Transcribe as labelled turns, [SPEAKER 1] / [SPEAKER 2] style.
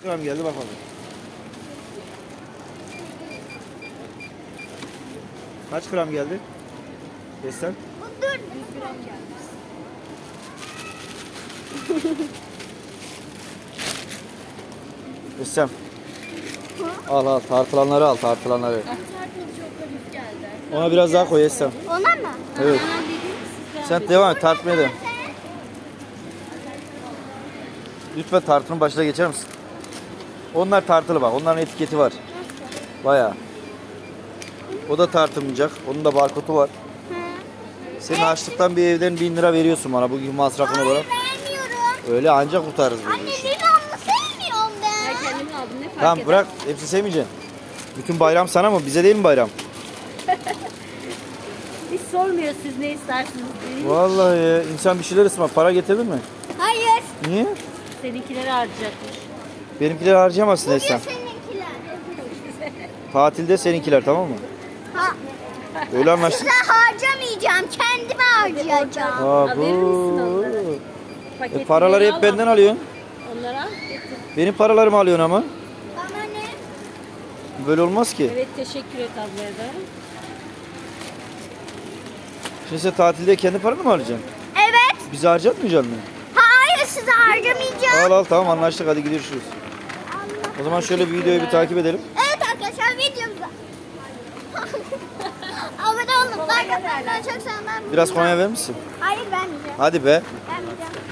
[SPEAKER 1] Gram geldi bakalım. Kaç gram geldi? Desem.
[SPEAKER 2] Dur. 100 gram gelmiş.
[SPEAKER 1] Desem. Al tartılanları al tartılanları.
[SPEAKER 2] Tartıl çok hafif geldi.
[SPEAKER 1] Ona biraz daha koy Esem.
[SPEAKER 2] Ona mı?
[SPEAKER 1] Evet.
[SPEAKER 2] Anam dediğim siz
[SPEAKER 1] Sen devam et tartmaya da. Lütfen tartının başına geçer misin? Onlar tartılı bak. Onların etiketi var. Bayağı. O da tartılmayacak. Onun da barkodu var. Senin açlıktan bir evden 1000 lira veriyorsun bana bugün masrafın olarak.
[SPEAKER 2] Vermiyorum.
[SPEAKER 1] Öyle ancak kurtarırız
[SPEAKER 2] Anne
[SPEAKER 1] bunu.
[SPEAKER 2] limonlu sevmiyorum ben.
[SPEAKER 3] Ben kendim aldım ne fark
[SPEAKER 1] Tamam
[SPEAKER 3] eder?
[SPEAKER 1] bırak. Hepsi sevmeyeceksin. Bütün bayram sana mı? Bize değil mi bayram?
[SPEAKER 3] Hiç sormuyor siz ne istersiniz diye.
[SPEAKER 1] Vallahi ya, insan bir şeyler ısmar. Para getirdin mi?
[SPEAKER 2] Hayır.
[SPEAKER 1] Niye?
[SPEAKER 3] Seninkileri harcayacakmış.
[SPEAKER 1] Benimkileri harcayamazsın
[SPEAKER 2] Bugün
[SPEAKER 1] Esem.
[SPEAKER 2] seninkiler.
[SPEAKER 1] Tatilde seninkiler tamam mı?
[SPEAKER 2] Ha.
[SPEAKER 1] Öyle anlaştık.
[SPEAKER 2] Size harcamayacağım. Kendime harcayacağım.
[SPEAKER 1] Aa,
[SPEAKER 3] Verir misin
[SPEAKER 1] bu.
[SPEAKER 3] onları? Paketleri
[SPEAKER 1] Paraları
[SPEAKER 3] al,
[SPEAKER 1] hep benden alıyorsun.
[SPEAKER 3] Onlara al, getir.
[SPEAKER 1] Benim paralarımı alıyorsun ama.
[SPEAKER 2] Bana ne?
[SPEAKER 1] Böyle olmaz ki.
[SPEAKER 3] Evet teşekkür et ablaya da.
[SPEAKER 1] Şimdi sen tatilde kendi paranı mı harcayacaksın?
[SPEAKER 2] Evet.
[SPEAKER 1] Bizi harcatmayacaksın mı?
[SPEAKER 2] Hayır size harcamayacağım.
[SPEAKER 1] Al tamam anlaştık hadi görüşürüz. O zaman şöyle bir videoyu bir takip edelim.
[SPEAKER 2] Evet arkadaşlar videomuza. Abone olun. Like atmayı çok sevmem.
[SPEAKER 1] Biraz Konya verir misin?
[SPEAKER 2] Hayır vermeyeceğim.
[SPEAKER 1] Hadi be.
[SPEAKER 2] Vermeyeceğim.